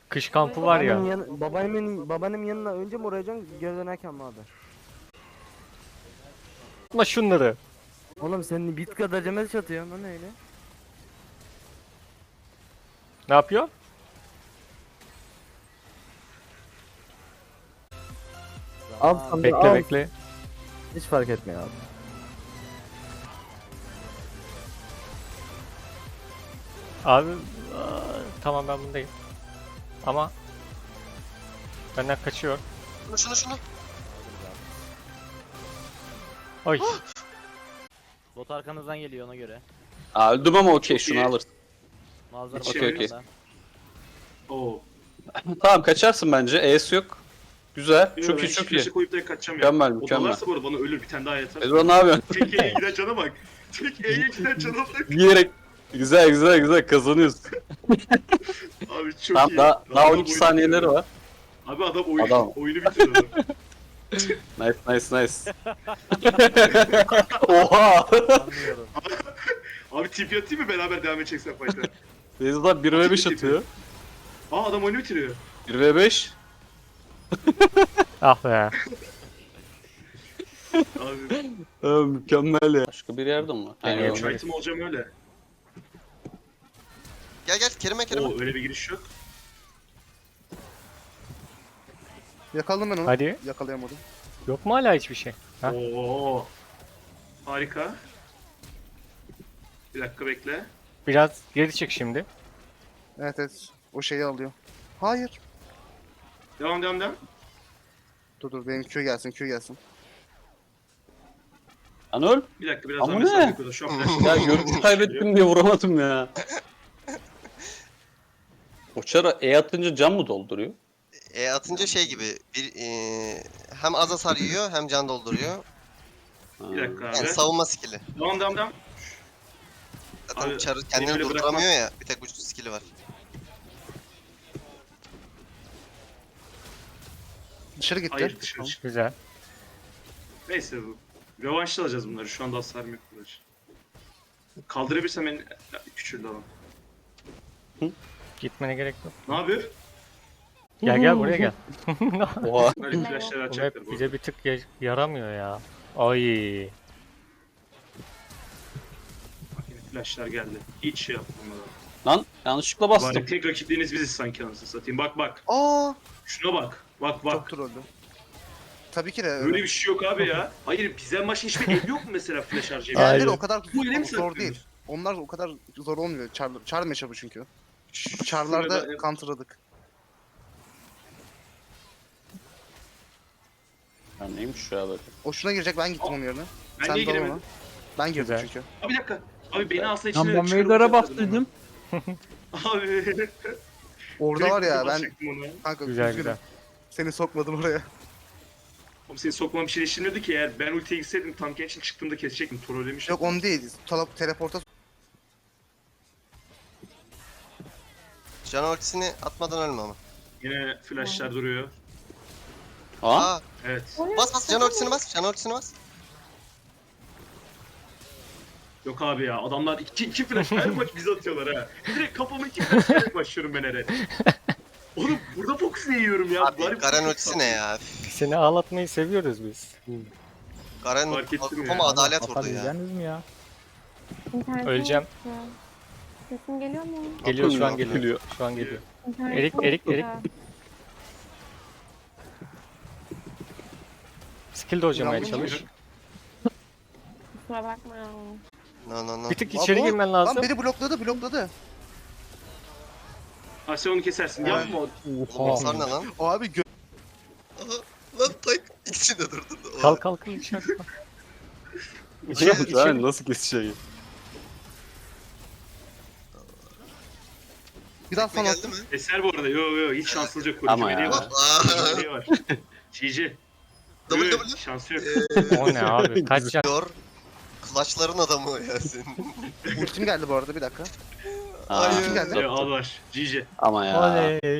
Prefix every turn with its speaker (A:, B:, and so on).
A: Kış kampı var ya.
B: Babaannemin yanına önce mi uğrayacaksın geri dönerken mi abi?
A: Ama şunları.
B: Oğlum sen bit kadar cemel çatıyorsun lan öyle.
A: Ne yapıyor?
B: Al sana
A: Bekle
B: al.
A: bekle.
B: Hiç fark etmiyor abi.
A: Abi tamam ben bundayım. Ama benden kaçıyor.
C: Şunu.
A: Oy.
D: Bot arkanızdan geliyor ona göre.
E: Aa, öldüm ama okey
F: Çok
E: şunu
F: iyi.
E: alırsın.
D: Mazhar
F: Okey,
D: bakıyor
E: okey.
D: da.
F: Oo.
E: Tamam kaçarsın bence. E'si yok. Güzel.
F: Yo,
E: Çok
F: ben
E: iyi çok iyi.
F: flash'e koyup direkt kaçacağım ya.
E: Mükemmel
F: O
E: mükemmel.
F: dalarsa bu arada bana ölür bir tane daha yeter.
E: Ezra ne yapıyorsun?
F: Tek E'ye giden cana bak. Tek E'ye giden cana bak.
E: Yiyerek. Güzel kazanıyorsun.
F: Abi çok
E: Tamam
F: iyi.
E: daha
F: Adam
E: 12
F: oyunu
E: saniyeleri
F: bitiriyor.
E: var.
F: Abi adam
E: Adam.
F: oyunu bitiriyor adam.
E: Nice. Oha.
D: Anlıyorum.
F: Abi TP atayım mı beraber devam edeceksen fight'a?
E: Ezra 1v5 atıyor.
F: Aa adam oyunu bitiriyor.
E: 1v5.
A: Ah be.
F: Abi
E: Mükemmel ya. Başka bir yerde mi var?
A: Geliyor.
E: Aynen.
F: üç item olacağım öyle.
C: Gel Kerime.
F: Oo öyle bir giriş yok.
G: Yakaladım ben onu.
A: Hadi.
G: Yakalayamadım.
A: Yok mu hala hiçbir şey? Ha?
F: Oo. Harika. Bir dakika bekle.
A: Biraz geri çık şimdi.
G: Evet. O şeyi alıyor. Hayır.
F: Devam.
G: Dur benim Q gelsin.
E: Anıl.
F: Bir dakika biraz
E: Ama
F: daha
E: ne?
F: mesafe yapıyorlar. Şu an flash.
E: Ya görüntü kaybettim diye vuramadım ya. Oçara E atınca can mı dolduruyor?
C: Atınca şey gibi hem az hasar yiyor hem can dolduruyor.
E: Ha.
F: Bir dakika abi.
C: Yani savunma skill'i.
F: Devam.
C: Zaten
F: Abi,
C: Char
F: beni
C: kendini
F: öyle
C: durduramıyor ya. Bir tek bu skill'i var.
G: Dışarı gitti.
F: Hayır dışarı çık.
A: Güzel.
F: Neyse bu. Rövanşta alacağız bunları. Şu anda hasarım yok bunlar. Kaldırabilirsem en küçüldü adam.
A: Gitmene gerek yok.
F: Ne yapıyor?
A: Gel buraya gel.
E: Oha.
F: Böyle flashları
A: Bu
F: atacaklar
A: map
F: bu.
A: bize bir tık yaramıyor ya. Ay.
F: Yine flashlar geldi. Hiç şey yapmadım.
E: Lan yanlışlıkla bastım.
F: Bari tek rakipleriniz biziz sanki anasını satayım. Bak.
G: Aa!
F: Şuna bak. Bak.
G: Çok trollü. Tabii ki de öyle.
F: Böyle bir şey yok abi ya. Hayır bizden başka hiçbir ev yok mu mesela flash harcayabilen?
A: Aynen.
G: Diğerleri o kadar
F: Bu ile mi
G: zor
F: satıyorsunuz?
G: değil. Onlar o kadar zor olmuyor. Char matchup'ı çünkü. Char'larda
F: Şurada-
G: counter'ladık.
E: Ya neymiş ya böyle?
G: O şuna girecek ben gittim onun yerine.
F: Ben
G: Sen
F: niye
G: dal
F: giremedim?
G: ona. Ben girdim
A: Güzel.
G: çünkü.
F: Abi bir dakika. Abi beni alsa
H: Lan
F: içine
H: ben Veigar'a bastıydım.
F: Abi.
G: Orada var ya ben
F: basacaktım ona.
G: kanka
A: Güzel
G: üzgünüm.
A: güzel.
G: Seni sokmadım oraya.
F: Oğlum seni sokmam bir şey değiştirmiyordu ki eğer ben ultiye gitseydim tam için çıktığımda kesecektim. Trollemiş.
G: Yok onu değil. Teleporta
C: Can ultisini atmadan ölme ama.
F: Yine flashlar duruyor.
E: Aa.
F: Evet.
C: Bas can ultisini bas. Can ultisini bas.
F: Yok abi ya adamlar iki flash her maç bize atıyorlar ha. Direkt kafama iki flash vererek başlıyorum ben herhalde. Oğlum burada fokus yiyorum ya.
C: Abi Garen ultisi ne ya?
A: Seni ağlatmayı seviyoruz biz.
C: Garen
F: Fark ettim ya.
C: kafama adalet
H: Hasar
C: vurdu ya.
H: yiyeceğiniz mi ya?
I: İnternetim
A: Öleceğim.
I: yoktu. Sesim geliyor mu?
A: Geliyor şu an
E: Akıllı.
A: geliyor. Şu an geliyor.
I: İnternetim
A: Erik.
I: yoktu.
A: Skill dojlamaya
G: Yanlış
A: çalış.
I: Kusura bakma ya.
C: No.
A: Bir tık içeri girmen lazım.
G: Lan beni blokladı.
F: Ha sen onu kesersin.
G: Evet.
F: Yapma.
C: Oğlum hasar ne lan?
G: O abi
C: Aha, lan tak ikisi de durdu.
A: Kalk içeri. İçeri,
E: Sen nasıl keseceği?
G: bir daha
C: Tekme
G: sana
C: geldi mi?
F: Eser bu arada. Yo hiç şanssızca koruyucu
E: Ama ya.
F: meleği var.
C: Aa,
F: Meleği var. GG.
C: W.
F: Şansı yok.
A: O ne abi? Kaç can?
C: Diyor. Clutch'ların adamı ya senin.
G: ultim geldi bu arada bir dakika.
E: Aa,
G: Kim geldi?
F: Al var. GG.
E: Ama ya.
A: Oley.